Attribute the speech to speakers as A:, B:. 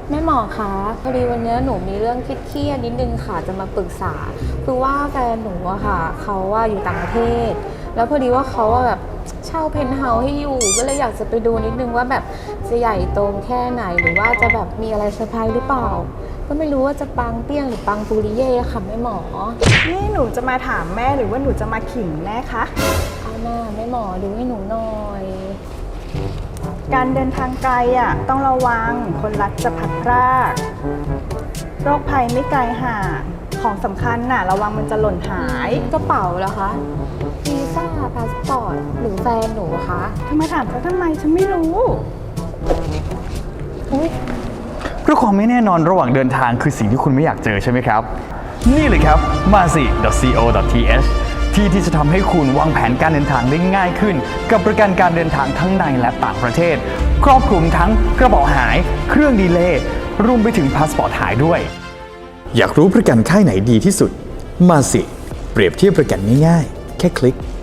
A: แม่หมอคะพอดีวันนี้หนูมีเรื่องเครียดๆนิดนึงค่ะจะมาปรึกษาคือว่าแฟนหนูอะค่ะเขาว่าอยู่ต่างประเทศแล้วพอดีว่าเขาว่าแบบเช่าเพนท์เฮาส์ให้อยู่ก็เลยอยากจะไปดูนิดนึงว่าแบบจะใหญ่โตแค่ไหนหรือว่าจะแบบมีอะไรเซอร์ไพรส์หรือเปล่าก็ไม่รู้ว่าจะปังเปี้ยงหรือปังปูริเย่ค่ะแม่หมอ
B: นี่หนูจะมาถามแม่หรือว่าหนูจะมาขิงแม่คะ
A: เอาหน้าแม่หมอดูให้หนูหน่อย
B: การเดินทางไกลต้องระวังคนรักจะพลัดพรากโรคภัยไม่ไกลห่างของสำคัญระวังมันจะหล่นหาย
A: กระเป๋าเหรอคะวีซ่าพาสปอร์ตหรือแฟนหนูคะ
B: ทำไมถามเขาทำไมฉันไม่รู้
A: อุ๊ย
C: เพราะความไม่แน่นอนระหว่างเดินทางคือสิ่งที่คุณไม่อยากเจอใช่ไหมครับนี่เลยครับ marsi.co.th ที่จะทำให้คุณวางแผนการเดินทางได้ง่ายขึ้นกับประกันการเดินทางทั้งในและต่างประเทศครอบคลุมทั้งกระเป๋าหายเครื่องดีเลย์รวมไปถึงพาสปอร์ตหายด้วย
D: อยากรู้ประกันค่ายไหนดีที่สุด มาสิเปรียบเทียบประกันง่ายๆแค่คลิก